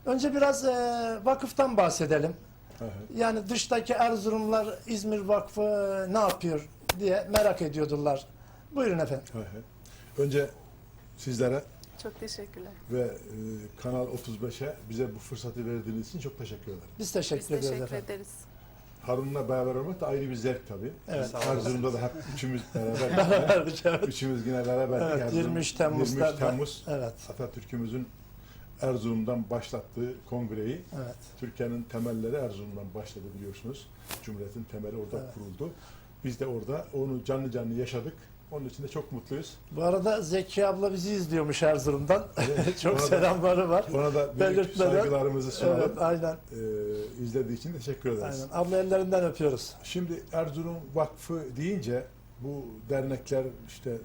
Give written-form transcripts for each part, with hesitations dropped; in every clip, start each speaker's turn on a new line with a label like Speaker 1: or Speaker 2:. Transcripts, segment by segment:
Speaker 1: Önce biraz vakıftan bahsedelim.
Speaker 2: Hı hı.
Speaker 1: Yani dıştaki Erzurumlar İzmir Vakfı ne yapıyor diye merak ediyordular. Buyurun efendim.
Speaker 2: Hı hı. Önce sizlere
Speaker 3: Çok teşekkürler.
Speaker 2: ve Kanal 35'e bize bu fırsatı verdiğiniz için çok teşekkür ederim.
Speaker 1: Biz
Speaker 3: Biz
Speaker 1: teşekkür ediyoruz
Speaker 3: teşekkür
Speaker 1: efendim.
Speaker 3: ederiz.
Speaker 2: Harun'la beraber olmak da ayrı bir zevk tabii.
Speaker 1: Evet.
Speaker 2: Biz Erzurum'da da hep üçümüz beraber.
Speaker 1: Beraberdik, evet.
Speaker 2: Üçümüz yine beraberdik.
Speaker 1: Evet,
Speaker 2: Erzurum,
Speaker 1: 23 Temmuz'da
Speaker 2: 23 Temmuz
Speaker 1: Evet.
Speaker 2: Atatürk'ümüzün Erzurum'dan başlattığı kongreyi,
Speaker 1: Evet.
Speaker 2: Türkiye'nin temelleri Erzurum'dan başladı biliyorsunuz. Cumhuriyet'in temeli orada
Speaker 1: Evet.
Speaker 2: kuruldu. Biz de orada onu canlı canlı yaşadık. Onun için de çok mutluyuz.
Speaker 1: Bu arada Zeki abla bizi izliyormuş Erzurum'dan.
Speaker 2: Evet,
Speaker 1: Çok
Speaker 2: ona da-
Speaker 1: selamları var.
Speaker 2: Ona da büyük
Speaker 1: Belirtmeden.
Speaker 2: saygılarımızı sunalım.
Speaker 1: Evet, aynen.
Speaker 2: İzlediği için teşekkür ederiz.
Speaker 1: Aynen. Abla ellerinden öpüyoruz.
Speaker 2: Şimdi Erzurum Vakfı deyince bu dernekler işte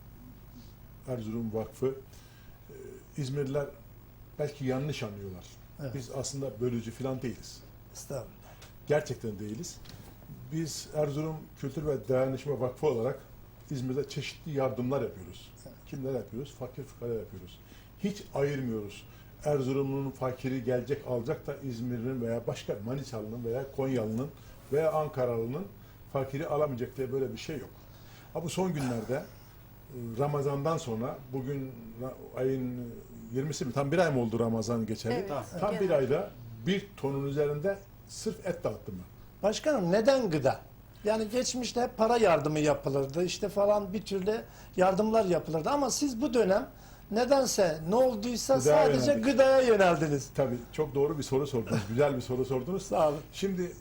Speaker 2: Erzurum Vakfı İzmirliler belki yanlış anlıyorlar.
Speaker 1: Evet.
Speaker 2: Biz aslında bölücü falan değiliz.
Speaker 1: Estağfurullah.
Speaker 2: Gerçekten değiliz. Biz Erzurum Kültür ve Dayanışma Vakfı olarak İzmir'de çeşitli yardımlar yapıyoruz. Kimler yapıyoruz? Fakir fukara yapıyoruz. Hiç ayırmıyoruz. Erzurumlu'nun fakiri gelecek alacak da İzmir'in veya başka Manisalı'nın veya Konyalı'nın veya Ankaralı'nın fakiri alamayacak diye böyle bir şey yok. Ha bu son günlerde Ramazan'dan sonra bugün ayın 20'si mi? Tam bir ay mı oldu Ramazan geçeli?
Speaker 3: Evet.
Speaker 2: Tam bir ayda 1 tonun üzerinde sırf et dağıttım ben.
Speaker 1: Başkanım neden gıda? Yani geçmişte hep para yardımı yapılırdı. İşte falan bir türlü yardımlar yapılırdı. Ama siz bu dönem nedense ne olduysa
Speaker 2: Gıdaya
Speaker 1: sadece
Speaker 2: yöneldik.
Speaker 1: gıdaya yöneldiniz.
Speaker 2: Tabii çok doğru bir soru sordunuz. Güzel bir soru sordunuz.
Speaker 1: Sağ olun.
Speaker 2: Şimdi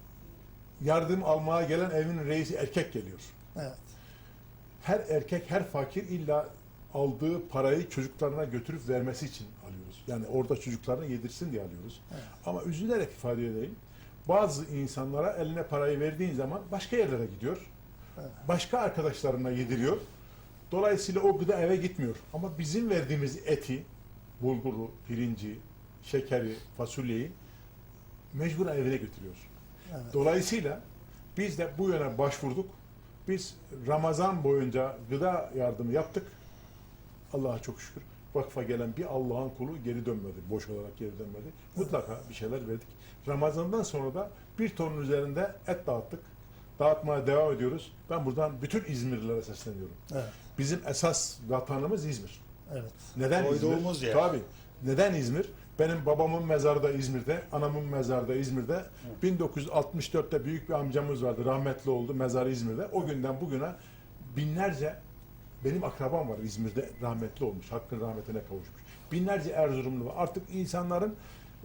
Speaker 2: yardım almaya gelen evin reisi erkek geliyor.
Speaker 1: Evet.
Speaker 2: Her erkek, her fakir illa aldığı parayı çocuklarına götürüp vermesi için alıyoruz. Yani orada çocuklarına yedirsin diye alıyoruz.
Speaker 1: Evet.
Speaker 2: Ama üzülerek ifade edeyim. Bazı insanlara eline parayı verdiğin zaman başka yerlere gidiyor.
Speaker 1: Evet.
Speaker 2: Başka arkadaşlarına yediriyor. Dolayısıyla o gıda eve gitmiyor. Ama bizim verdiğimiz eti, bulguru, pirinci, şekeri, fasulyeyi mecbur evine götürüyor.
Speaker 1: Evet.
Speaker 2: Dolayısıyla biz de bu yöne başvurduk. Biz Ramazan boyunca gıda yardımı yaptık. Allah'a çok şükür. Vakfa gelen bir Allah'ın kulu geri dönmedi. Boş olarak geri dönmedi. Mutlaka bir şeyler verdik. Ramazan'dan sonra da 1 tonun üzerinde et dağıttık. Dağıtmaya devam ediyoruz. Ben buradan bütün İzmirlilere sesleniyorum.
Speaker 1: Evet.
Speaker 2: Bizim esas vatanımız İzmir.
Speaker 1: Evet.
Speaker 2: Neden
Speaker 4: Doyduğumuz
Speaker 2: İzmir?
Speaker 4: yer.
Speaker 2: Tabii. Neden İzmir? Benim babamın mezarı da İzmir'de, anamın mezarı da İzmir'de. 1964'te büyük bir amcamız vardı, rahmetli oldu, mezarı İzmir'de. O günden bugüne binlerce benim akrabam var İzmir'de, rahmetli olmuş, hakkın rahmetine kavuşmuş. Binlerce Erzurumlu var. Artık insanların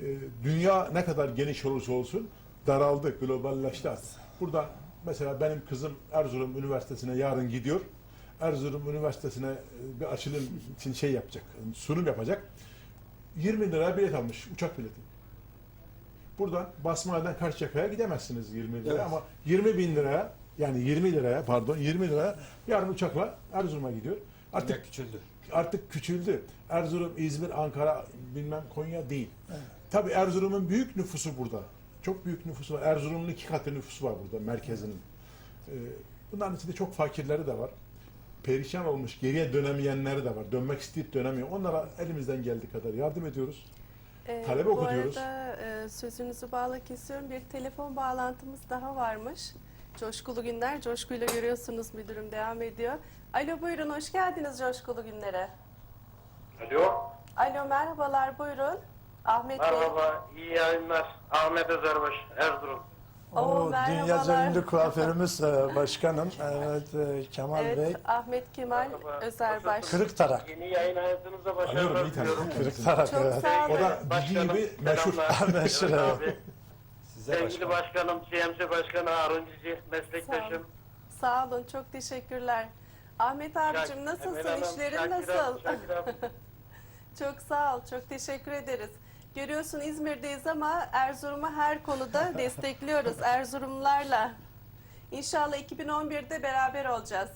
Speaker 2: dünya ne kadar geniş olursa olsun daraldı, globalleşti artık. Buradan mesela benim kızım Erzurum Üniversitesi'ne yarın gidiyor. Erzurum Üniversitesi'ne bir açılım için şey yapacak, sunum yapacak. 20 lira bilet almış, uçak bileti. Buradan Basmani'den Karşıyaka'ya gidemezsiniz 20 liraya
Speaker 4: Evet.
Speaker 2: ama 20 bin liraya, yani 20 liraya pardon 20 liraya yarın uçakla Erzurum'a gidiyor.
Speaker 4: Artık küçüldü.
Speaker 2: Artık küçüldü. Erzurum, İzmir, Ankara, bilmem Konya değil.
Speaker 1: Evet.
Speaker 2: Tabii Erzurum'un büyük nüfusu burada. Çok büyük nüfusu var. Erzurum'un 2 katı nüfusu var burada merkezinin. Bunların içinde çok fakirleri de var. Perişan olmuş, geriye dönemeyenleri de var. Dönmek isteyip dönemiyor. Onlara elimizden geldiği kadar yardım ediyoruz. Talebe okutuyoruz.
Speaker 3: Bu arada sözünüzü bağla kesiyorum. Bir telefon bağlantımız daha varmış. Coşkulu Günler. Coşkuyla görüyorsunuz müdürüm devam ediyor. Alo buyurun hoş geldiniz Coşkulu Günler'e.
Speaker 5: Alo.
Speaker 3: Alo merhabalar buyurun. Ahmet Bey.
Speaker 5: Merhaba, iyi yayınlar. Ahmet Özerbaş, Erzurum.
Speaker 1: O
Speaker 3: merhabalar.
Speaker 1: dünyaca ünlü kuaförümüz başkanım. Evet, Kemal
Speaker 3: Evet
Speaker 1: Bey.
Speaker 3: Ahmet Kemal
Speaker 5: Merhaba.
Speaker 3: Özerbaş.
Speaker 1: Kırıktarak.
Speaker 5: Yeni yayın hayatınızda
Speaker 2: Alıyorum
Speaker 5: başarılar
Speaker 2: iyi tanıyorum.
Speaker 5: diliyorum.
Speaker 1: Kırıktarak
Speaker 3: Çok
Speaker 1: evet.
Speaker 3: sağ olun.
Speaker 2: O da
Speaker 5: Başkanım,
Speaker 2: gibi meşhur.
Speaker 5: selamlar.
Speaker 1: Meşhur,
Speaker 5: Evet
Speaker 1: evet.
Speaker 5: abi.
Speaker 4: Size
Speaker 5: Sevgili
Speaker 4: başkanım.
Speaker 5: başkanım, CMC Başkanı Harun Cici, meslektaşım.
Speaker 3: Sağ olun çok teşekkürler. Ahmet abicim
Speaker 5: Emel
Speaker 3: nasılsın?
Speaker 5: Hanım,
Speaker 3: İşlerin
Speaker 5: Şakir
Speaker 3: nasıl?
Speaker 5: abi, Şakir abi.
Speaker 3: Çok sağ ol, çok teşekkür ederiz. Görüyorsun İzmir'deyiz ama Erzurum'u her konuda destekliyoruz Erzurumlularla. İnşallah 2011'de beraber olacağız.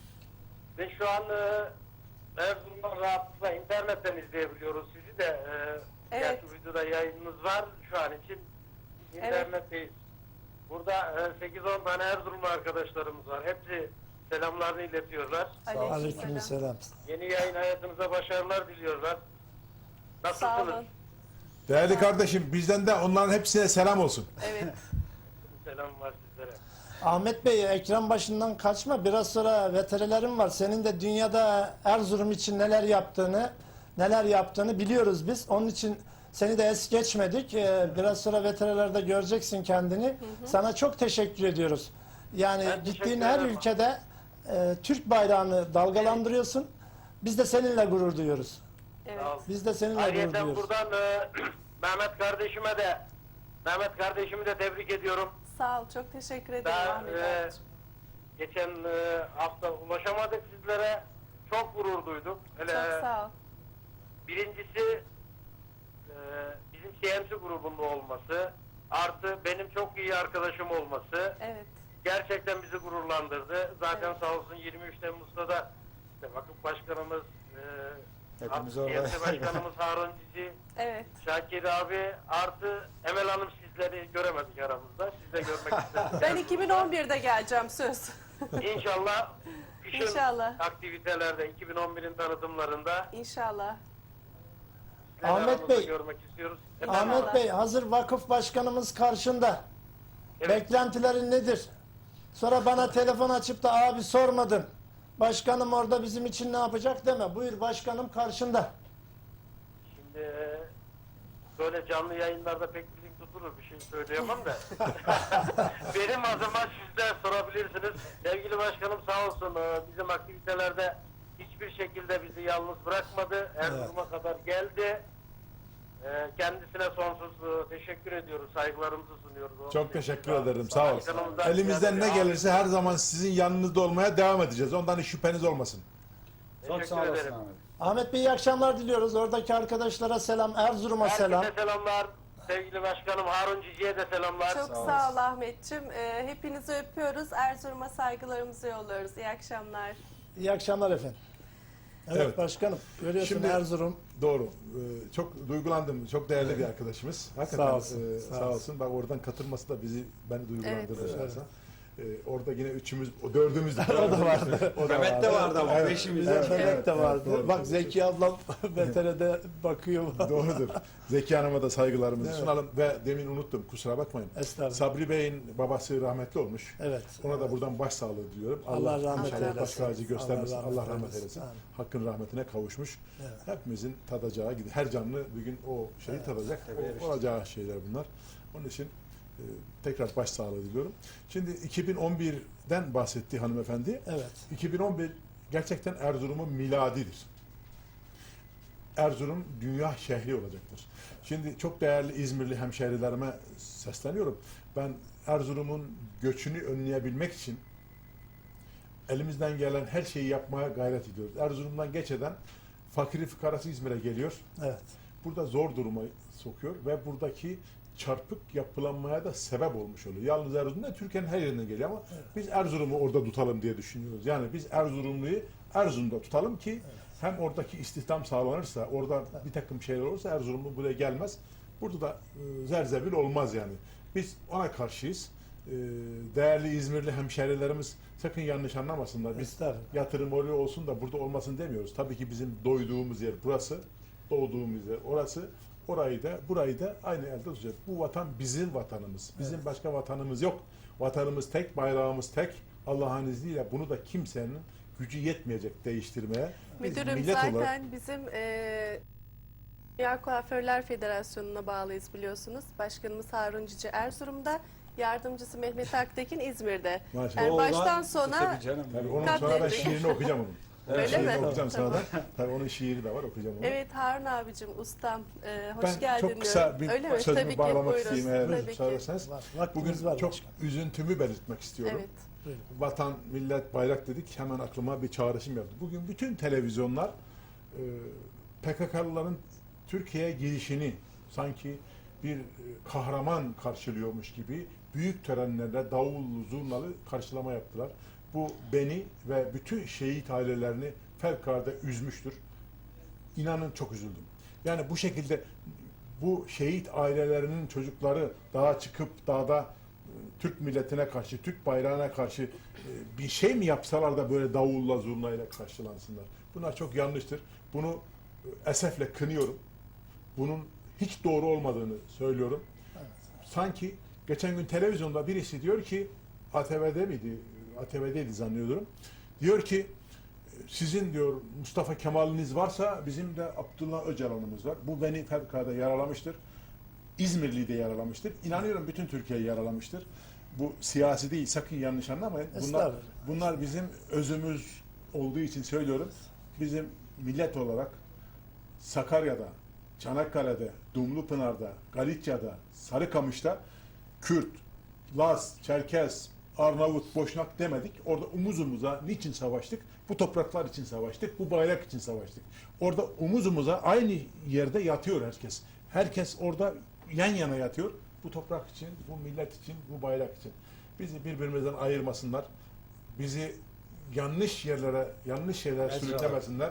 Speaker 5: Ve şu an Erzurum'dan rahatlıkla internetten izleyebiliyoruz sizi de.
Speaker 3: Evet.
Speaker 5: Gerçi videoda yayınınız var şu an için. İnternetteyiz. Burada 8-10 tane Erzurumlu arkadaşlarımız var. Hepsi selamlarını iletiyorlar.
Speaker 1: Aleykümselam.
Speaker 5: Yeni yayın hayatınıza başarılar diliyorlar.
Speaker 3: Sağ
Speaker 5: Nasılsınız?
Speaker 3: olun.
Speaker 2: Değerli kardeşim, bizden de onların hepsine selam olsun.
Speaker 3: Evet.
Speaker 5: Selam var sizlere.
Speaker 1: Ahmet Bey, ekran başından kaçma. Biraz sonra veterilerim var. Senin de dünyada Erzurum için neler yaptığını biliyoruz biz. Onun için seni de es geçmedik. Biraz sonra veterilerde göreceksin kendini. Sana çok teşekkür ediyoruz. Yani
Speaker 5: Ben teşekkür
Speaker 1: gittiğin her
Speaker 5: ederim.
Speaker 1: ülkede Türk bayrağını dalgalandırıyorsun. Biz de seninle gurur duyuyoruz.
Speaker 3: Evet.
Speaker 5: Sağ ol.
Speaker 1: Biz de seninle gurur
Speaker 5: Ayrıca
Speaker 1: duyuyoruz.
Speaker 5: buradan Mehmet kardeşimi de tebrik ediyorum.
Speaker 3: Sağ ol. Çok teşekkür ederim
Speaker 5: Daha
Speaker 3: Ahmet abicim.
Speaker 5: geçen hafta ulaşamadık sizlere. Çok gurur duyduk. Hele
Speaker 3: Çok sağ ol.
Speaker 5: birincisi bizim CMC grubunda olması, artı benim çok iyi arkadaşım olması
Speaker 3: Evet.
Speaker 5: gerçekten bizi gururlandırdı. Zaten
Speaker 3: Evet.
Speaker 5: sağ olsun 23 Temmuz'da da işte vakıf başkanımız,
Speaker 4: Hepimiz
Speaker 5: artı
Speaker 4: orada.
Speaker 5: CMC başkanımız Harun Cici,
Speaker 3: Evet.
Speaker 5: Şakir abi, artı Emel Hanım, sizleri göremedik aramızda. Siz de görmek istedim.
Speaker 3: Ben 2011'de geleceğim söz.
Speaker 5: İnşallah kışın
Speaker 3: İnşallah.
Speaker 5: aktivitelerde 2011'in tanıtımlarında
Speaker 3: İnşallah.
Speaker 5: sizleri
Speaker 1: Ahmet
Speaker 5: aramızda
Speaker 1: Bey,
Speaker 5: görmek istiyoruz.
Speaker 1: Ahmet Bey, hazır vakıf başkanımız karşında.
Speaker 5: Evet.
Speaker 1: Beklentilerin nedir? Sonra bana telefon açıp da abi sormadın. Başkanım orada bizim için ne yapacak deme. Buyur, başkanım karşında.
Speaker 5: Şimdi böyle canlı yayınlarda pek dilim tutulur, bir şey söyleyemem de. Benim adıma siz de sorabilirsiniz. Sevgili başkanım sağ olsun bizim aktivitelerde hiçbir şekilde bizi yalnız bırakmadı. Erzurum'a kadar geldi. Kendisine sonsuz teşekkür ediyoruz, saygılarımızı sunuyoruz.
Speaker 2: Çok teşekkür ederim, sağ ol.
Speaker 5: Başkanımızdan
Speaker 2: Elimizden ne
Speaker 5: ziyade-
Speaker 2: gelirse her zaman sizin yanınızda olmaya devam edeceğiz. Ondan hiç şüpheniz olmasın.
Speaker 4: Çok
Speaker 5: Teşekkür
Speaker 4: sağ olasın
Speaker 5: ederim.
Speaker 4: Ahmet.
Speaker 1: Ahmet Bey, iyi akşamlar diliyoruz. Oradaki arkadaşlara selam, Erzurum'a selam.
Speaker 5: Herkese selamlar. Sevgili başkanım Harun Cici'ye de selamlar.
Speaker 3: Çok
Speaker 4: Sağ
Speaker 3: sağ
Speaker 4: olasın.
Speaker 3: ol Ahmetciğim. Hepinizi öpüyoruz. Erzurum'a saygılarımızı yolluyoruz. İyi akşamlar.
Speaker 1: İyi akşamlar efendim. Evet,
Speaker 2: Evet.
Speaker 1: başkanım, görüyorsun
Speaker 2: Şimdi-
Speaker 1: Erzurum.
Speaker 2: Doğru. Çok duygulandım. Çok değerli bir arkadaşımız. Hakikaten
Speaker 1: Sağ olsun,
Speaker 2: sağ olsun. Bak oradan katılması da beni duygulandırdı.
Speaker 3: Evet.
Speaker 2: şahsen. Orada yine dördümüz
Speaker 1: O da vardı.
Speaker 4: Mehmet de vardı ama
Speaker 2: Evet.
Speaker 4: beşimiz.
Speaker 1: Evet, Melek de vardı.
Speaker 2: Doğru.
Speaker 1: Bak Zeki ablam VTR'de bakıyor.
Speaker 2: Doğrudur. Zeki Hanım'a da saygılarımızı
Speaker 1: Evet.
Speaker 2: sunalım. Ve demin unuttum, kusura bakmayın.
Speaker 1: Estağfurullah.
Speaker 2: Sabri Bey'in babası rahmetli olmuş.
Speaker 1: Evet.
Speaker 2: Ona da buradan başsağlığı diliyorum.
Speaker 1: Allah rahmet
Speaker 2: inşallah
Speaker 1: eylesin.
Speaker 2: baş tacı göstermesin.
Speaker 1: Allah
Speaker 2: Allah
Speaker 1: rahmet
Speaker 2: rahmet
Speaker 1: eylesin.
Speaker 2: eylesin.
Speaker 1: Amin.
Speaker 2: Hakkın rahmetine kavuşmuş.
Speaker 1: Evet.
Speaker 2: Hepimizin tadacağı gibi. Her canlı bir gün o şeyi tadacak.
Speaker 4: Tabii,
Speaker 2: Olacağı şeyler bunlar. Onun için tekrar başsağlığı diliyorum. Şimdi 2011'den bahsetti hanımefendi.
Speaker 1: Evet.
Speaker 2: 2011 gerçekten Erzurum'un miladidir. Erzurum dünya şehri olacaktır. Şimdi çok değerli İzmirli hemşehrilerime sesleniyorum. Ben Erzurum'un göçünü önleyebilmek için elimizden gelen her şeyi yapmaya gayret ediyoruz. Erzurum'dan geç eden fakiri fukarası İzmir'e geliyor.
Speaker 1: Evet.
Speaker 2: Burada zor duruma sokuyor ve buradaki çarpık yapılanmaya da sebep olmuş oluyor. Yalnız Erzurum'da Türkiye'nin her yerinden geliyor ama biz Erzurum'u orada tutalım diye düşünüyoruz. Yani biz Erzurumlu'yu Erzurum'da tutalım ki hem oradaki istihdam sağlanırsa, orada bir takım şeyler olursa Erzurumlu buraya gelmez. Burada da zerzebil olmaz yani. Biz ona karşıyız. Değerli İzmirli hemşehrilerimiz sakın yanlış anlamasınlar. Biz
Speaker 1: Estağfurullah.
Speaker 2: yatırım oraya olsun da burada olmasın demiyoruz. Tabii ki bizim doyduğumuz yer burası, doğduğumuz yer orası. Burayı da aynı elde tutacağız. Bu vatan bizim vatanımız. Bizim başka vatanımız yok. Vatanımız tek, bayrağımız tek. Allah'ın izniyle bunu da kimsenin gücü yetmeyecek değiştirmeye. Biz
Speaker 3: Müdürüm
Speaker 2: millet
Speaker 3: zaten
Speaker 2: olarak
Speaker 3: bizim Dünya Kuaförler Federasyonu'na bağlıyız biliyorsunuz. Başkanımız Harun Cici Erzurum'da, yardımcısı Mehmet Aktekin İzmir'de.
Speaker 2: maşallah.
Speaker 3: Yani
Speaker 4: Oğlan-
Speaker 3: baştan sona
Speaker 4: Tabii canım.
Speaker 2: Tabii onun
Speaker 3: Katlettik.
Speaker 2: sonra ben şiirini okuyacağım onun.
Speaker 3: Öyle
Speaker 2: şiirini
Speaker 3: mi?
Speaker 2: okuyacağım
Speaker 3: Tamam.
Speaker 2: sana da. Tabii onun şiiri de var, okuyacağım onu.
Speaker 3: Evet Harun abicim, ustam, hoş
Speaker 2: Ben
Speaker 3: geldin
Speaker 2: çok kısa
Speaker 3: diyorum.
Speaker 2: bir
Speaker 3: Öyle mi?
Speaker 2: sözümü
Speaker 3: Tabii ki,
Speaker 2: bağlamak
Speaker 3: buyurun.
Speaker 2: isteyeyim eğer
Speaker 3: Tabii ki.
Speaker 2: müsaade ederseniz.
Speaker 1: Vaktimiz
Speaker 2: Bugün
Speaker 1: var
Speaker 2: çok
Speaker 1: başkanım.
Speaker 2: üzüntümü belirtmek istiyorum.
Speaker 3: Evet.
Speaker 1: Buyurun.
Speaker 2: Vatan, millet, bayrak dedik hemen aklıma bir çağrışım yaptı. Bugün bütün televizyonlar PKK'lıların Türkiye'ye girişini sanki bir kahraman karşılıyormuş gibi büyük törenlerle davullu, zurnalı karşılama yaptılar. Bu beni ve bütün şehit ailelerini fevkalade üzmüştür. İnanın çok üzüldüm. Yani bu şekilde bu şehit ailelerinin çocukları dağa çıkıp dağda Türk milletine karşı, Türk bayrağına karşı bir şey mi yapsalar da böyle davulla zurnayla karşılansınlar. Bunlar çok yanlıştır. Bunu esefle kınıyorum. Bunun hiç doğru olmadığını söylüyorum. Sanki geçen gün televizyonda birisi diyor ki, ATV'de miydi? ATV'deydi zannediyorum. Diyor ki sizin diyor Mustafa Kemal'iniz varsa bizim de Abdullah Öcalan'ımız var. Bu beni fevkalade yaralamıştır. İzmirli'yi de yaralamıştır. İnanıyorum bütün Türkiye'yi yaralamıştır. Bu siyasi değil, sakın yanlış anlamayın. Bunlar bizim özümüz olduğu için söylüyorum. Bizim millet olarak Sakarya'da, Çanakkale'de, Dumlupınar'da, Galicia'da, Sarıkamış'ta Kürt, Laz, Çerkez, Arnavut, Boşnak demedik. Orada omuz omuza niçin savaştık? Bu topraklar için savaştık, bu bayrak için savaştık. Orada omuz omuza aynı yerde yatıyor herkes. Herkes orada yan yana yatıyor. Bu toprak için, bu millet için, bu bayrak için. Bizi birbirimizden ayırmasınlar. Bizi yanlış yerlere, yanlış şeyler sürüklemesinler.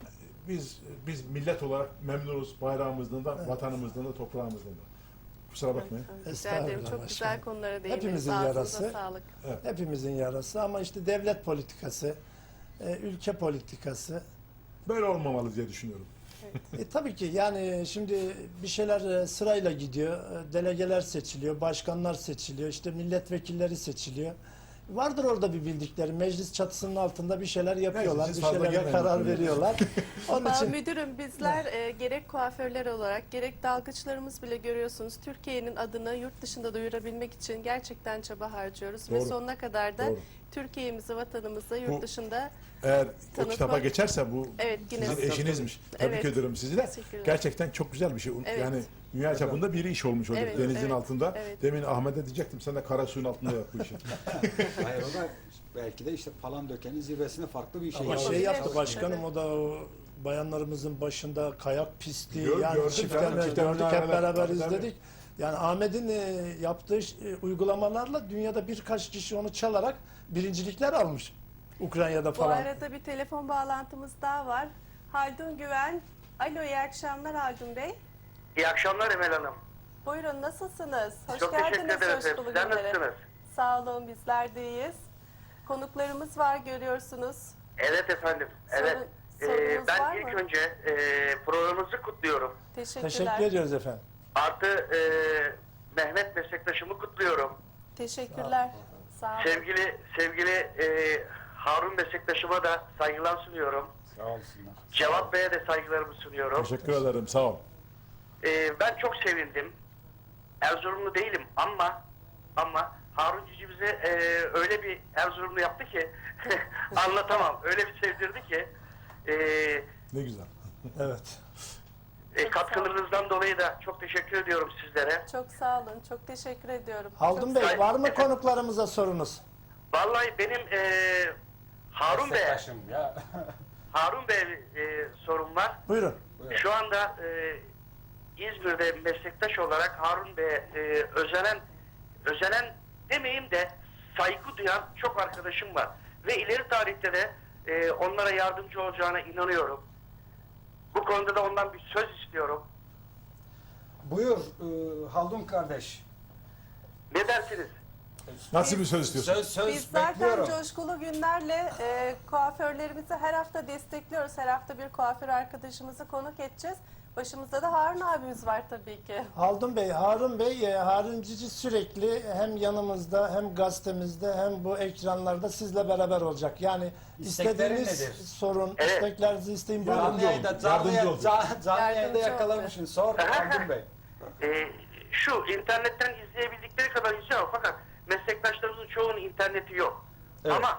Speaker 2: Biz millet olarak memnunuz bayrağımızdan da, vatanımızdan da, toprağımızdan da. Kusura bakmayın.
Speaker 3: Rica ederim.
Speaker 1: Estağfurullah
Speaker 3: Çok güzel
Speaker 1: başkanım.
Speaker 3: konulara değindiniz.
Speaker 1: Hepimizin
Speaker 3: Ağzınıza
Speaker 1: yarası.
Speaker 3: sağlık.
Speaker 1: Hepimizin yarası ama işte devlet politikası, ülke politikası.
Speaker 2: Böyle olmamalı diye düşünüyorum.
Speaker 1: Tabii ki yani şimdi bir şeyler sırayla gidiyor. Delegeler seçiliyor, başkanlar seçiliyor, işte milletvekilleri seçiliyor. Vardır orada bir bildikleri. Meclis çatısının altında bir şeyler yapıyorlar,
Speaker 2: siz
Speaker 1: bir
Speaker 2: fazla
Speaker 1: şeylere
Speaker 2: girmeyin
Speaker 1: karar
Speaker 2: bakın.
Speaker 1: veriyorlar. Onun
Speaker 3: Ama
Speaker 1: için
Speaker 3: müdürüm bizler gerek kuaförler olarak gerek dalgıçlarımız bile görüyorsunuz Türkiye'nin adını yurt dışında duyurabilmek için gerçekten çaba harcıyoruz. Ve
Speaker 2: Doğru.
Speaker 3: sonuna kadar da
Speaker 2: Doğru.
Speaker 3: Türkiye'mizi, vatanımızı yurt
Speaker 2: Bu-
Speaker 3: dışında
Speaker 2: Eğer o
Speaker 3: Tanıtmak-
Speaker 2: kitaba geçerse bu
Speaker 3: Evet, yine
Speaker 2: sizin
Speaker 3: tanıtmak.
Speaker 2: eşinizmiş. Tebrik
Speaker 3: Evet.
Speaker 2: ediyorum sizi de.
Speaker 3: Teşekkürler.
Speaker 2: Gerçekten çok güzel bir şey.
Speaker 3: Evet.
Speaker 2: Yani dünya çapında bir iş olmuş oluyor
Speaker 3: Evet,
Speaker 2: denizin
Speaker 3: evet,
Speaker 2: altında.
Speaker 3: evet.
Speaker 2: Demin Ahmet'e diyecektim sen de kara suyun altında yap bu işi.
Speaker 4: Hayır o da belki de işte Palandöken'in zirvesine farklı bir şey.
Speaker 1: ama
Speaker 3: yapalım.
Speaker 1: şey yaptı
Speaker 3: Evet.
Speaker 1: başkanım, o da o bayanlarımızın başında kayak pisti, yani
Speaker 2: Gördüm
Speaker 1: çiftlerle
Speaker 2: canım, çiftlerle
Speaker 1: gördük, hep
Speaker 2: beraber,
Speaker 1: beraber
Speaker 2: tabii, tabii.
Speaker 1: izledik. Yani Ahmet'in yaptığı uygulamalarla dünyada birkaç kişi onu çalarak birincilikler almış. Ukrayna'da
Speaker 3: bu
Speaker 1: falan.
Speaker 3: arada bir telefon bağlantımız daha var. Haldun Güven. Alo, iyi akşamlar Haldun Bey.
Speaker 5: İyi akşamlar Emel Hanım.
Speaker 3: Buyurun, nasılsınız? Hoş
Speaker 5: Çok teşekkür
Speaker 3: geldiniz
Speaker 5: ederim.
Speaker 3: Coşkulu
Speaker 5: Sizler
Speaker 3: Günler'e.
Speaker 5: nasılsınız?
Speaker 3: Sağ olun, bizler de iyiyiz. Konuklarımız var, görüyorsunuz.
Speaker 5: Evet efendim. Evet.
Speaker 3: Sorunuz
Speaker 5: Ben
Speaker 3: var
Speaker 5: ilk
Speaker 3: mı?
Speaker 5: önce programınızı kutluyorum.
Speaker 3: Teşekkürler.
Speaker 1: Teşekkür ediyoruz efendim.
Speaker 5: Artı Mehmet meslektaşımı kutluyorum.
Speaker 3: Teşekkürler. Sağ olun.
Speaker 5: Sevgili Harun meslektaşıma da saygılar sunuyorum.
Speaker 4: Sağ olsunlar.
Speaker 5: Cevat Bey'e de saygılarımı sunuyorum.
Speaker 2: Teşekkür ederim. Sağ ol.
Speaker 5: Ben çok sevindim. Erzurumlu değilim ama Harun Cici bize öyle bir Erzurumlu yaptı ki anlatamam. Öyle bir sevdirdi ki
Speaker 2: Ne güzel.
Speaker 1: Evet.
Speaker 5: katkılarınızdan dolayı da çok teşekkür ediyorum sizlere.
Speaker 3: Çok sağ olun. Çok teşekkür ediyorum.
Speaker 1: Haldun
Speaker 3: Çok
Speaker 1: Bey,
Speaker 3: sağ-
Speaker 1: var mı konuklarımıza sorunuz?
Speaker 5: Vallahi benim Harun Bey'e
Speaker 4: Meslektaşım ya.
Speaker 5: Harun Bey'e sorum var.
Speaker 1: Buyurun.
Speaker 5: Şu anda İzmir'de meslektaş olarak Harun Bey'e özenen demeyeyim de saygı duyan çok arkadaşım var. Ve ileri tarihte de onlara yardımcı olacağına inanıyorum. Bu konuda da ondan bir söz istiyorum.
Speaker 4: Buyur Haldun kardeş.
Speaker 5: Ne dersiniz?
Speaker 2: Nasıl bir söz istiyorsun?
Speaker 4: Söz
Speaker 3: Biz zaten
Speaker 4: bekliyorum.
Speaker 3: Coşkulu Günler'le kuaförlerimizi her hafta destekliyoruz. Her hafta bir kuaför arkadaşımızı konuk edeceğiz. Başımızda da Harun abimiz var tabii ki.
Speaker 1: Haldun Bey, Harun Bey, Harun Cici sürekli hem yanımızda hem gazetemizde hem bu ekranlarda sizle beraber olacak. Yani
Speaker 4: İsteklerin
Speaker 1: istediğiniz
Speaker 4: nedir?
Speaker 1: sorun,
Speaker 5: Evet.
Speaker 1: isteklerinizi isteyin. Buyurun.
Speaker 2: Yardımcı olun.
Speaker 4: Canlı
Speaker 2: Yardımcı olun.
Speaker 4: yayında
Speaker 3: Yardımcı
Speaker 4: yakalamışsın. Sor Haldun Bey.
Speaker 5: Şu internetten izleyebildikleri kadar izliyor fakat meslektaşlarımızın çoğunun interneti yok.
Speaker 4: Evet.
Speaker 5: Ama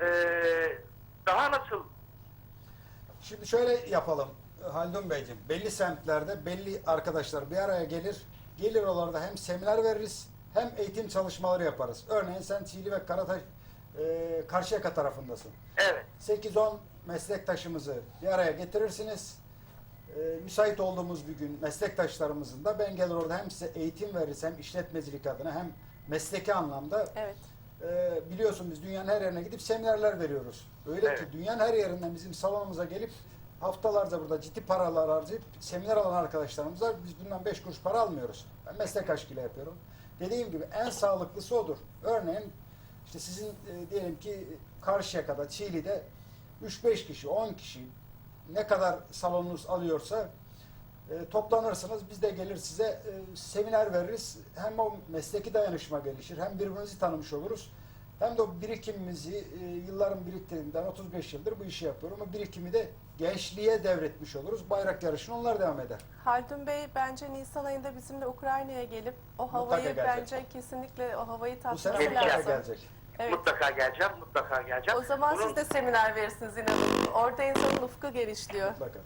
Speaker 5: daha nasıl
Speaker 4: Şimdi şöyle yapalım Haldun Beyciğim. Belli semtlerde belli arkadaşlar bir araya gelir. Gelir oralarda hem seminer veririz hem eğitim çalışmaları yaparız. Örneğin sen Çiğli ve Karataş Karşıyaka tarafındasın.
Speaker 5: evet
Speaker 4: 8-10 meslektaşımızı bir araya getirirsiniz. Müsait olduğumuz bir gün meslektaşlarımızın da ben gelir orada hem size eğitim veririz hem işletmecilik adına hem mesleki anlamda
Speaker 3: Evet.
Speaker 4: biliyorsun biz dünyanın her yerine gidip seminerler veriyoruz. Öyle
Speaker 5: Evet.
Speaker 4: ki dünyanın her yerinden bizim salonumuza gelip haftalarca burada ciddi paralar harcayıp seminer alan arkadaşlarımız var. Biz bundan 5 kuruş para almıyoruz. Ben meslek aşkıyla yapıyorum. Dediğim gibi en sağlıklısı odur. Örneğin işte sizin diyelim ki Karşıyaka'da, Çiğli'de 3-5 kişi, 10 kişi ne kadar salonunuz alıyorsa Toplanırsınız, biz de gelir size seminer veririz. Hem o mesleki dayanışma gelişir, hem birbirimizi tanımış oluruz. Hem de o birikimimizi yılların biriktirdiğinden 35 yıldır bu işi yapıyorum. O birikimi de gençliğe devretmiş oluruz. Bayrak yarışını onlar devam eder.
Speaker 3: Haldun Bey bence Nisan ayında bizimle Ukrayna'ya gelip o havayı
Speaker 4: gelecek.
Speaker 3: bence kesinlikle o havayı
Speaker 4: Bu sene
Speaker 3: tatması
Speaker 4: mutlaka
Speaker 3: lazım.
Speaker 4: gelecek.
Speaker 3: Evet.
Speaker 5: Mutlaka geleceğim, mutlaka geleceğim.
Speaker 3: O zaman
Speaker 5: Bunun-
Speaker 3: siz de seminer verirsiniz inanın. Orada insanın ufku genişliyor.
Speaker 4: Mutlaka.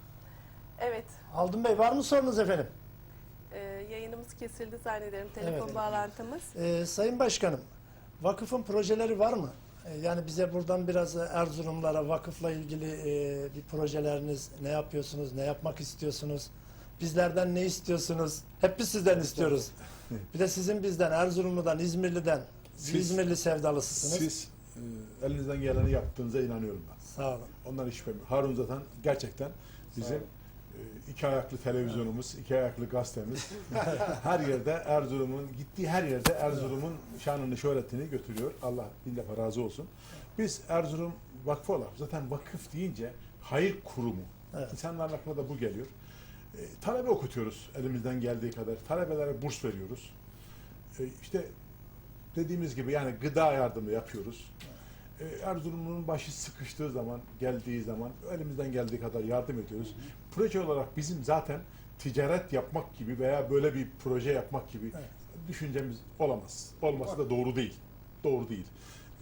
Speaker 3: Evet.
Speaker 1: Haldun Bey var mı sorunuz efendim?
Speaker 3: Yayınımız kesildi zannederim. Telefon
Speaker 1: Evet.
Speaker 3: bağlantımız.
Speaker 1: Sayın Başkanım, vakıfın projeleri var mı? Yani bize buradan biraz Erzurumlara vakıfla ilgili bir projeleriniz, ne yapıyorsunuz, ne yapmak istiyorsunuz? Bizlerden ne istiyorsunuz? Hep biz sizden istiyoruz. Bir de sizin bizden, Erzurumlu'dan, İzmirli'den,
Speaker 2: Siz-
Speaker 1: İzmirli sevdalısısınız.
Speaker 2: Siz elinizden geleni yaptığınıza inanıyorum ben.
Speaker 1: Sağ olun.
Speaker 2: Ondan hiç şüphem yok. Harun zaten gerçekten bizim iki ayaklı televizyonumuz, iki ayaklı gazetemiz. Her yerde Erzurum'un, gittiği her yerde Erzurum'un şanını, şöhretini götürüyor. Allah bin defa razı olsun. Biz Erzurum Vakfı olarak, zaten vakıf deyince hayır kurumu.
Speaker 1: Evet.
Speaker 2: İnsanların aklına da bu geliyor. Talebe okutuyoruz elimizden geldiği kadar. Talebelere burs veriyoruz. İşte dediğimiz gibi yani gıda yardımı yapıyoruz. Erzurum'un başı sıkıştığı zaman, geldiği zaman elimizden geldiği kadar yardım ediyoruz. Proje olarak bizim zaten ticaret yapmak gibi veya böyle bir proje yapmak gibi düşüncemiz olamaz. Olması da doğru değil. Doğru değil.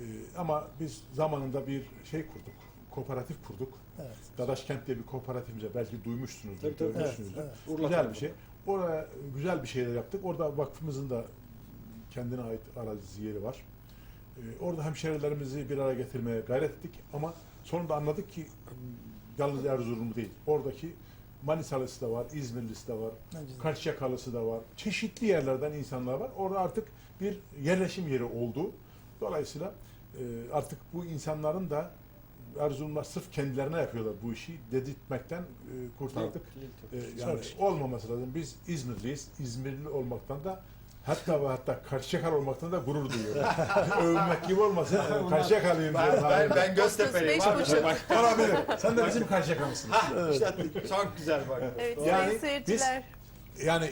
Speaker 2: Ama biz zamanında bir şey kurduk. Kooperatif kurduk.
Speaker 1: Evet.
Speaker 2: Dadaşkent diye bir kooperatifimize belki duymuşsunuzdur,
Speaker 4: Tabii, tabii.
Speaker 2: görmüşsünüzdür.
Speaker 1: Evet,
Speaker 4: Urla
Speaker 2: Güzel
Speaker 4: Vakfı.
Speaker 2: bir şey. Oraya güzel bir şeyler yaptık. Orada vakfımızın da kendine ait arazisi yeri var. Orada hemşehrilerimizi bir araya getirmeye gayret ettik ama sonunda anladık ki yalnız Erzurumlu değil. Oradaki Manisalısı da var, İzmirlisi de var,
Speaker 1: Ne güzel.
Speaker 2: Karşıyakalısı da var. Çeşitli yerlerden insanlar var. Orada artık bir yerleşim yeri oldu. Dolayısıyla artık bu insanların da Erzurumlar sırf kendilerine yapıyorlar bu işi dedirtmekten kurtardık. Yani
Speaker 1: Çok
Speaker 2: olmaması lazım. Biz İzmirliyiz. İzmirli olmaktan da hatta ve hatta Karşıyakalı olmaktan da gurur duyuyorum. Övünmek gibi olmasın. Karşıyakalıyım diyorum.
Speaker 4: Ben Göztepe'liyim
Speaker 3: 35,5.
Speaker 4: abi.
Speaker 2: Olabilir. Sen de bizim Karşıyakalısın.
Speaker 4: İşte çok güzel bak.
Speaker 3: Evet
Speaker 2: Yani
Speaker 3: sayın seyirciler.
Speaker 2: Yani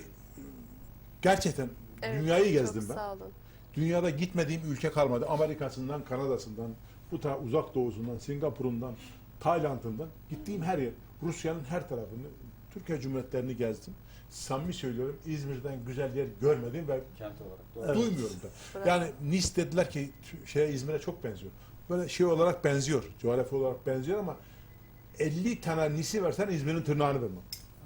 Speaker 2: gerçekten
Speaker 3: Evet,
Speaker 2: dünyayı gezdim
Speaker 3: çok
Speaker 2: ben.
Speaker 3: sağ olun.
Speaker 2: Dünyada gitmediğim ülke kalmadı. Amerika'sından, Kanada'sından, bu uzak doğusundan, Singapur'undan, Tayland'ından gittiğim her yer, Rusya'nın her tarafını, Türkiye Cumhuriyetlerini gezdim. Samimi söylüyorum, İzmir'den güzel yer görmedim ve
Speaker 4: Kent olarak. Doğru.
Speaker 2: duymuyorum da.
Speaker 3: Bravo.
Speaker 2: Yani Nice dediler ki İzmir'e çok benziyor. Böyle şey olarak benziyor, coğrafi olarak benziyor ama 50 tane Nice'i versen İzmir'in tırnağını vermem.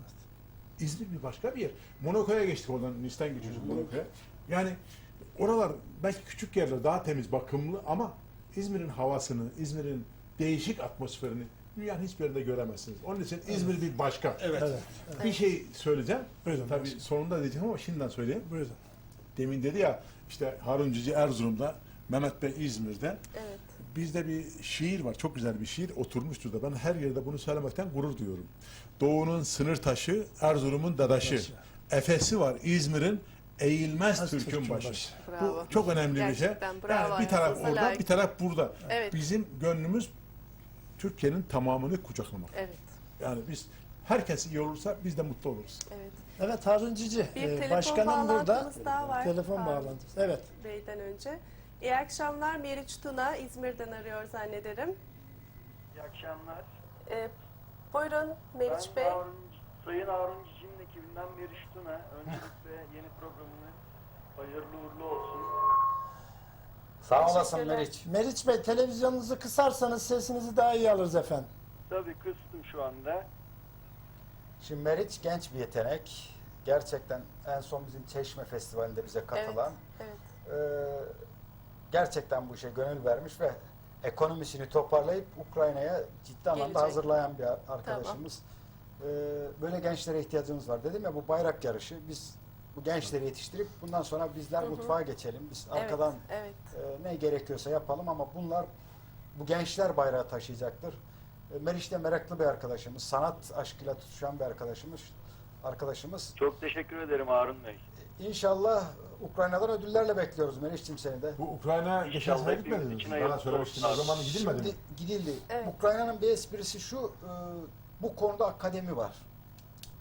Speaker 2: İzmir bir başka bir yer. Monaco'ya geçtik oradan, Nice'den geçiyoruz Monaco'ya. Yani oralar belki küçük yerler, daha temiz, bakımlı ama İzmir'in havasını, İzmir'in değişik atmosferini dünyanın hiçbir yerinde göremezsiniz. Onun için İzmir bir başka.
Speaker 4: Evet.
Speaker 1: Evet.
Speaker 2: Bir şey söyleyeceğim.
Speaker 1: Buyurun.
Speaker 2: Tabii sonunda diyeceğim ama şimdiden söyleyeyim.
Speaker 1: Buyurun.
Speaker 2: Demin dedi ya işte Harun Cici Erzurum'da, Mehmet Bey İzmir'de.
Speaker 3: Evet.
Speaker 2: Bizde bir şiir var, çok güzel bir şiir oturmuştur da ben her yerde bunu söylemekten gurur duyuyorum. Doğu'nun sınır taşı, Erzurum'un dadaşı.
Speaker 1: Dadaşı.
Speaker 2: Efesi var İzmir'in, eğilmez
Speaker 1: Az
Speaker 2: Türk'ün
Speaker 1: Türk'ün
Speaker 2: başı.
Speaker 1: başı.
Speaker 3: Bravo.
Speaker 2: Bu çok önemli bir şey.
Speaker 3: Gerçekten bravo,
Speaker 2: Yani bir taraf
Speaker 3: hayatınıza
Speaker 2: orada,
Speaker 3: layık.
Speaker 2: bir taraf burada.
Speaker 3: Evet.
Speaker 2: Bizim gönlümüz Türkiye'nin tamamını kucaklamak.
Speaker 3: Evet.
Speaker 2: Yani biz herkes iyi olursa biz de mutlu oluruz.
Speaker 3: Evet.
Speaker 1: Evet Harun Cici,
Speaker 3: Bir telefon
Speaker 1: başkanım burada.
Speaker 3: bağlantımız daha var.
Speaker 1: Telefon
Speaker 3: Harun
Speaker 1: bağlantısı. Evet.
Speaker 3: Bey'den önce. İyi akşamlar, Meriç Tuna İzmir'den arıyor zannederim.
Speaker 5: İyi akşamlar.
Speaker 3: Buyurun Meriç Bey.
Speaker 5: Sayın Harun Cici'nin ekibinden Meriç Tuna. Öncelikle yeni programını hayırlı uğurlu olsun.
Speaker 4: Sağ olasın
Speaker 3: Teşekkürler.
Speaker 4: Meriç.
Speaker 1: Meriç Bey televizyonunuzu kısarsanız sesinizi daha iyi alırız efendim.
Speaker 5: Tabii kıstım şu anda.
Speaker 4: Şimdi Meriç genç bir yetenek. Gerçekten en son bizim Çeşme Festivali'nde bize katılan.
Speaker 3: Evet.
Speaker 4: Gerçekten bu işe gönül vermiş ve ekonomisini toparlayıp Ukrayna'ya ciddi anlamda
Speaker 3: Gelecek.
Speaker 4: hazırlayan bir arkadaşımız. Böyle gençlere ihtiyacımız var. Dedim ya bu bayrak yarışı. Biz bu gençleri yetiştirip bundan sonra bizler mutfağa geçelim. Biz arkadan
Speaker 3: Evet.
Speaker 4: ne gerekiyorsa yapalım ama bu gençler bayrağı taşıyacaktır. Meriç de meraklı bir arkadaşımız. Sanat aşkıyla tutuşan bir arkadaşımız.
Speaker 5: Çok teşekkür ederim Harun Bey.
Speaker 4: İnşallah Ukrayna'dan ödüllerle bekliyoruz Meriç'cim seni de.
Speaker 2: Bu Ukrayna geçen
Speaker 5: İnşallah
Speaker 2: sene
Speaker 5: hepimiz
Speaker 2: gitmediniz
Speaker 5: için
Speaker 2: mi?
Speaker 5: hayırlı
Speaker 2: Bana söylemiştiniz. O
Speaker 5: olsun.
Speaker 2: zaman gidilmedi mi?
Speaker 4: Şimdi gidildi.
Speaker 3: Evet.
Speaker 4: Ukrayna'nın bir esprisi şu, bu konuda akademi var.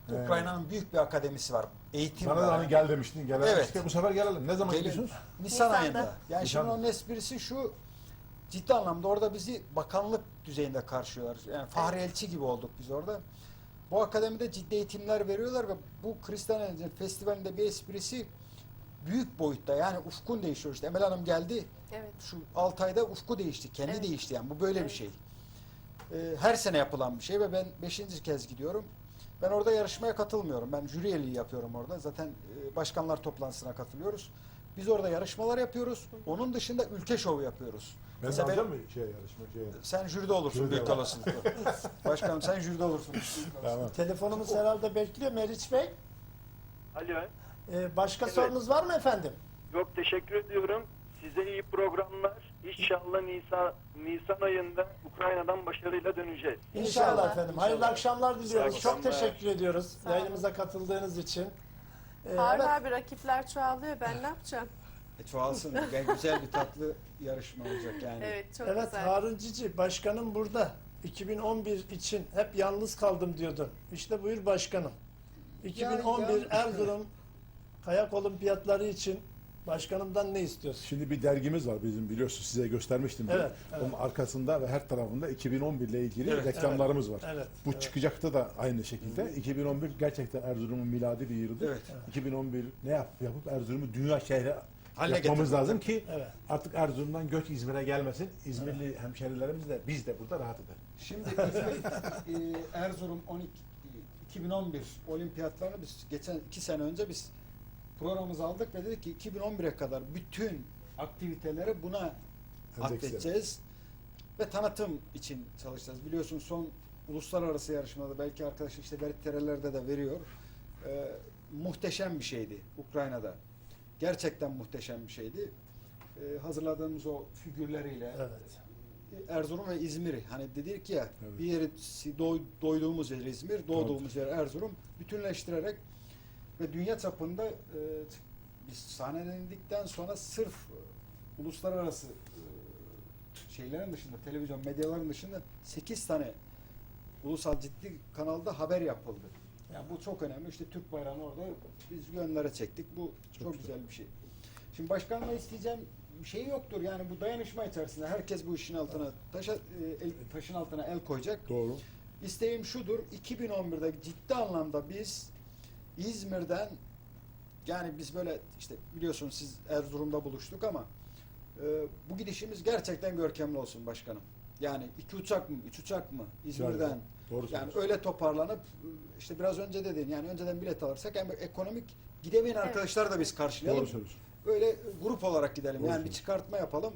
Speaker 4: Ukrayna'nın büyük bir akademisi var. Eğitim
Speaker 2: Bana da
Speaker 4: var.
Speaker 2: hani gel demiştin. Gelememiştik.
Speaker 4: Evet.
Speaker 2: Bu sefer gelelim. Ne zaman
Speaker 4: Gelin.
Speaker 2: gidiyorsunuz?
Speaker 4: Nisan
Speaker 3: Nisan'da.
Speaker 4: ayında. Yani şimdi
Speaker 2: Nisan'da.
Speaker 4: onun esprisi şu, ciddi anlamda orada bizi bakanlık düzeyinde karşılıyorlar. Yani fahri elçi gibi olduk biz orada. Bu akademide ciddi eğitimler veriyorlar ve bu Kristal Enerji Festivali'nde bir esprisi büyük boyutta. Yani ufkun değişiyor işte. Emel Hanım geldi.
Speaker 3: Evet.
Speaker 4: Şu 6 ayda ufku değişti. Kendi
Speaker 3: Evet.
Speaker 4: değişti yani. Bu böyle
Speaker 3: Evet.
Speaker 4: bir şey. Her sene yapılan bir şey ve ben 5. kez gidiyorum. Ben orada yarışmaya katılmıyorum. Ben jüri üyeliği yapıyorum orada. Zaten başkanlar toplantısına katılıyoruz. Biz orada yarışmalar yapıyoruz. Onun dışında ülke şovu yapıyoruz.
Speaker 2: Ben de
Speaker 4: Mesela
Speaker 2: alacağım mı yarışma?
Speaker 4: sen jüride olursun
Speaker 2: Jüride
Speaker 4: büyük
Speaker 2: var.
Speaker 4: olasılıkla. Başkanım sen jüride olursun.
Speaker 2: Tamam.
Speaker 1: Telefonumuz herhalde bekliyor Meriç Bey.
Speaker 6: Alo.
Speaker 1: Başka
Speaker 6: Evet.
Speaker 1: sorunuz var mı efendim?
Speaker 6: Yok, teşekkür ediyorum. Size iyi programlar. İnşallah Nisan ayında Ukrayna'dan başarıyla döneceğiz.
Speaker 1: İnşallah,
Speaker 3: İnşallah.
Speaker 1: efendim. Hayırlı akşamlar diliyoruz.
Speaker 6: İyi
Speaker 1: Çok
Speaker 6: akşamlar.
Speaker 1: teşekkür ediyoruz
Speaker 3: Sağ olun.
Speaker 1: yayınımıza katıldığınız için.
Speaker 3: Harun
Speaker 1: Evet.
Speaker 3: abi rakipler çoğalıyor. Ben ne yapacağım?
Speaker 4: Çoğalsın. Yani güzel bir tatlı yarışma olacak yani.
Speaker 3: Evet çok
Speaker 1: Evet
Speaker 3: güzel.
Speaker 1: Harun Cici başkanım burada. 2011 için hep yalnız kaldım diyordun. İşte buyur başkanım. 2011
Speaker 4: Yani-
Speaker 1: Erzurum kayak olimpiyatları için başkanımdan ne istiyorsun?
Speaker 2: Şimdi bir dergimiz var bizim, biliyorsunuz, size göstermiştim.
Speaker 1: Evet, evet.
Speaker 2: Onun arkasında ve her tarafında 2011 ile ilgili
Speaker 4: Evet,
Speaker 2: reklamlarımız var.
Speaker 1: Evet.
Speaker 2: Bu
Speaker 1: evet.
Speaker 2: çıkacaktı da aynı şekilde. 2011 gerçekten Erzurum'un miladi bir yılıdır.
Speaker 4: Evet.
Speaker 2: 2011 ne yapıp Erzurum'u dünya şehri
Speaker 4: Haline
Speaker 2: yapmamız
Speaker 4: getirmek.
Speaker 2: lazım ki
Speaker 1: Evet.
Speaker 2: artık Erzurum'dan göç İzmir'e gelmesin. İzmirli hemşerilerimiz de biz de burada rahat edelim.
Speaker 4: Şimdi Erzurum 2011 olimpiyatlarını biz geçen 2 sene önce biz programımızı aldık ve dedik ki 2011'e kadar bütün aktiviteleri buna atfedeceğiz ve tanıtım için çalışacağız. Biliyorsun son uluslararası yarışmada belki arkadaş işte Beriterelerde de veriyor. Muhteşem bir şeydi Ukrayna'da. Gerçekten muhteşem bir şeydi. Hazırladığımız o figürleriyle
Speaker 1: Evet.
Speaker 4: Erzurum ve İzmir'i hani dedik ya
Speaker 2: Evet.
Speaker 4: bir yeri doyduğumuz yer İzmir, doğduğumuz yer Erzurum bütünleştirerek ve dünya çapında biz sahnelendikten sonra sırf uluslararası şeylerin dışında, televizyon medyaların dışında 8 tane ulusal ciddi kanalda haber yapıldı. Yani bu çok önemli. İşte Türk bayrağını orada biz yönlere çektik. Bu çok güzel bir şey. Şimdi başkanla isteyeceğim bir şey yoktur. Yani bu dayanışma içerisinde herkes bu işin altına taşın altına el koyacak.
Speaker 2: Doğru.
Speaker 4: İsteğim şudur. 2011'de ciddi anlamda biz İzmir'den yani biz böyle işte biliyorsunuz siz Erzurum'da buluştuk ama bu gidişimiz gerçekten görkemli olsun başkanım. Yani 2 uçak mı, 3 uçak mı İzmir'den
Speaker 2: Doğru
Speaker 4: yani
Speaker 2: söylüyorsun.
Speaker 4: öyle toparlanıp işte biraz önce dedin yani önceden bilet alırsak hem ekonomik gidemeyen arkadaşları da biz karşılayalım.
Speaker 2: Doğru söylüyorsun.
Speaker 4: Öyle grup olarak gidelim.
Speaker 2: Doğru
Speaker 4: Yani bir çıkartma yapalım.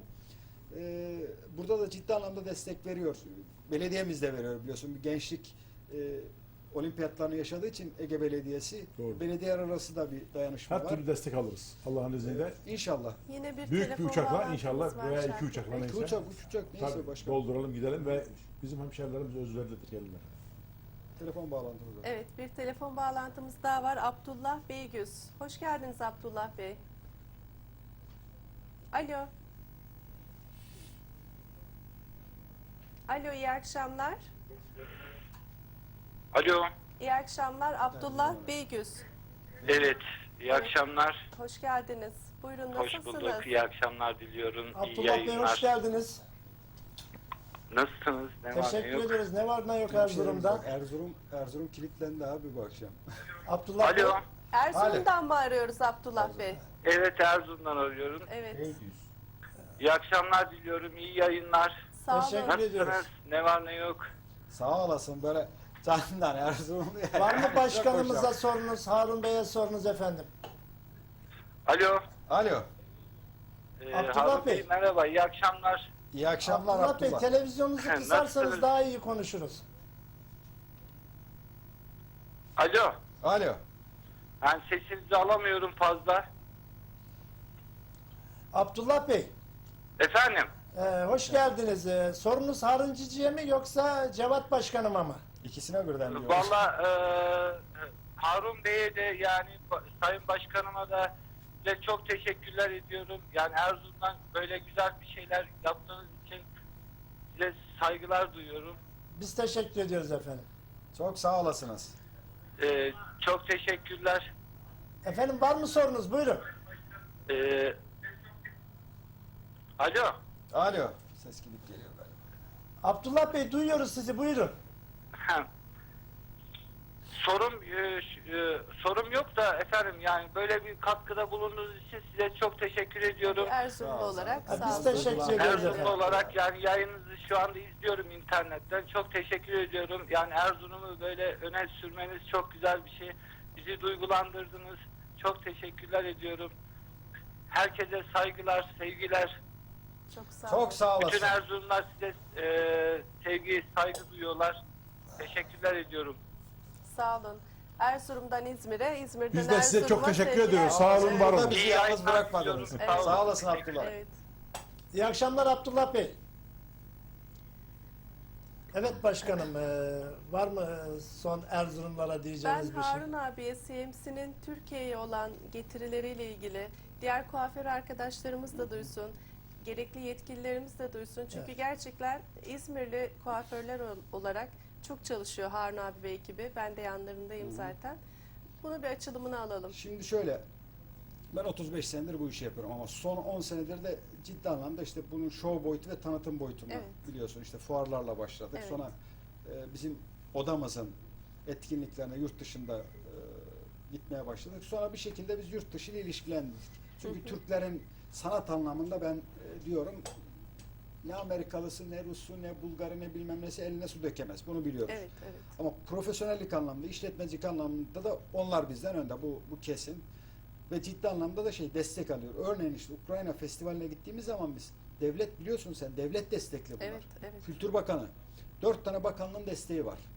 Speaker 4: Burada da ciddi anlamda destek veriyor. Belediyemiz de veriyor biliyorsun. Bir gençlik olimpiyatlarını yaşadığı için Ege Belediyesi.
Speaker 2: Doğru.
Speaker 4: Belediyeler arası da bir dayanışma
Speaker 2: Her
Speaker 4: var.
Speaker 2: türlü destek alırız. Allah'ın izniyle.
Speaker 4: İnşallah.
Speaker 3: Yine bir
Speaker 2: Büyük bir
Speaker 3: telefon
Speaker 2: uçakla
Speaker 3: bağlantımız
Speaker 2: inşallah
Speaker 3: var
Speaker 2: veya
Speaker 3: Şarkı
Speaker 2: 2 uçakla
Speaker 3: Bey.
Speaker 2: neyse.
Speaker 4: 2 uçak, 3 uçak neyse
Speaker 2: Tabii,
Speaker 4: başkanım.
Speaker 2: dolduralım gidelim ve bizim hemşerilerimiz özverilidir gelirler.
Speaker 4: Telefon bağlantımız var.
Speaker 3: Evet bir telefon bağlantımız daha var. Abdullah Beygüz. Hoş geldiniz Abdullah Bey. Alo. Alo iyi akşamlar.
Speaker 7: Alo.
Speaker 3: İyi akşamlar Abdullah Beygüz.
Speaker 7: Evet. İyi akşamlar.
Speaker 3: Hoş geldiniz. Buyurun
Speaker 7: Hoş
Speaker 3: nasılsınız?
Speaker 7: bulduk. İyi akşamlar diliyorum. İyi
Speaker 1: Abdullah Bey hoş
Speaker 7: yayınlar.
Speaker 1: geldiniz.
Speaker 7: Nasılsınız? Ne var ne
Speaker 1: Teşekkür
Speaker 7: yok?
Speaker 1: ediyoruz. Ne var ne yok
Speaker 4: Hemşehrimiz
Speaker 1: Erzurum'da?
Speaker 4: bak, Erzurum kilitlendi abi bu akşam.
Speaker 1: Abdullah Bey.
Speaker 7: Alo.
Speaker 3: Erzurum'dan mı arıyoruz Abdullah Bey?
Speaker 7: Evet, Erzurum'dan arıyorum.
Speaker 3: Evet.
Speaker 7: İyi akşamlar diliyorum. İyi yayınlar.
Speaker 3: Sağ
Speaker 1: Teşekkür
Speaker 3: olun.
Speaker 1: ediyoruz.
Speaker 7: Nasılsınız? Ne var ne yok?
Speaker 4: Sağ olasın böyle canından Erzurum.
Speaker 1: Var mı
Speaker 4: Çok
Speaker 1: başkanımıza
Speaker 4: hoş.
Speaker 1: sorunuz, Harun Bey'e sorunuz efendim?
Speaker 7: Alo.
Speaker 4: Alo.
Speaker 1: Abdullah
Speaker 7: Harun
Speaker 1: Bey.
Speaker 7: merhaba. İyi akşamlar.
Speaker 4: İyi akşamlar
Speaker 1: Abdullah Bey
Speaker 4: Abdullah.
Speaker 1: televizyonunuzu kısarsanız
Speaker 7: Nasılsınız?
Speaker 1: daha iyi konuşuruz.
Speaker 7: Alo.
Speaker 4: Alo.
Speaker 7: Ben sesinizi alamıyorum fazla.
Speaker 1: Abdullah Bey,
Speaker 7: Efendim.
Speaker 1: hoş geldiniz. Sorunuz Harun Cici'ye mi yoksa Cevat Başkanıma mı?
Speaker 4: İkisine birden diyoruz.
Speaker 7: Valla Harun Bey'e de yani Sayın Başkanıma da size çok teşekkürler ediyorum. Yani Erzurum'dan böyle güzel bir şeyler yaptığınız için size saygılar duyuyorum.
Speaker 1: Biz teşekkür ediyoruz efendim.
Speaker 4: Çok sağ olasınız.
Speaker 7: Çok teşekkürler.
Speaker 1: Efendim var mı sorunuz? Buyurun.
Speaker 7: Alo.
Speaker 4: Alo. Ses gidip geliyor galiba.
Speaker 1: Abdullah Bey duyuyoruz sizi. Buyurun.
Speaker 7: Ha. Sorum yok da efendim, yani böyle bir katkıda bulunduğunuz için size çok teşekkür ediyorum.
Speaker 3: Erzurumlu
Speaker 4: Sağ ol,
Speaker 3: olarak
Speaker 1: Ha,
Speaker 3: sağ
Speaker 1: biz
Speaker 3: olun.
Speaker 1: teşekkür ederiz
Speaker 7: Erzurumlu
Speaker 1: efendim.
Speaker 7: olarak yani yayınınızı şu anda izliyorum internetten. Çok teşekkür ediyorum. Yani Erzurum'u böyle öne sürmeniz çok güzel bir şey. Bizi duygulandırdınız. Çok teşekkürler ediyorum. Herkese saygılar, sevgiler.
Speaker 3: Çok sağ olun.
Speaker 4: Çok sağ olasın.
Speaker 7: Bütün Erzurumlar size sevgi, saygı duyuyorlar. Teşekkürler ediyorum.
Speaker 3: Sağ olun. Erzurum'dan İzmir'e, İzmir'den
Speaker 2: Biz de size çok
Speaker 3: Erzurum'a
Speaker 2: teşekkür
Speaker 3: sevgiler.
Speaker 2: ediyoruz. Sağ olun, var olun.
Speaker 4: Bizi
Speaker 7: İyi
Speaker 4: yalnız
Speaker 7: yayınlar
Speaker 4: bırakmadınız.
Speaker 7: diliyorum.
Speaker 3: Evet.
Speaker 4: Sağ olasın Abdullah.
Speaker 3: Evet.
Speaker 1: İyi akşamlar Abdullah Bey. Evet başkanım, var mı son Erzurumlara
Speaker 3: Ben
Speaker 1: diyeceğiniz bir şey?
Speaker 3: Harun abiye CMC'nin Türkiye'ye olan getirileriyle ilgili diğer kuaför arkadaşlarımız da duysun, gerekli yetkililerimiz de duysun. Çünkü
Speaker 1: Evet.
Speaker 3: gerçekten İzmirli kuaförler olarak çok çalışıyor Harun abi ve ekibi. Ben de yanlarındayım zaten. Bunu bir açılımını alalım.
Speaker 4: Şimdi şöyle, ben 35 senedir bu işi yapıyorum ama son 10 senedir de ciddi anlamda işte bunun show boyutu ve tanıtım boyutunda
Speaker 3: Evet.
Speaker 4: biliyorsun işte fuarlarla başladık.
Speaker 3: Evet.
Speaker 4: Sonra bizim odamızın etkinliklerine yurt dışında gitmeye başladık. Sonra bir şekilde biz yurt dışı ile ilişkilendik. Çünkü Türklerin sanat anlamında ben diyorum ne Amerikalısı, ne Rusu, ne Bulgarı, ne bilmem nesi eline su dökemez. Bunu biliyoruz.
Speaker 3: Evet, evet.
Speaker 4: Ama profesyonellik anlamda, işletmecilik anlamında da onlar bizden önde. Bu kesin. Ve ciddi anlamda da destek alıyor. Örneğin işte Ukrayna Festivali'ne gittiğimiz zaman biz devlet biliyorsun sen devlet destekli bunlar.
Speaker 3: Evet, evet.
Speaker 4: Kültür Bakanı 4 tane bakanlığın desteği var.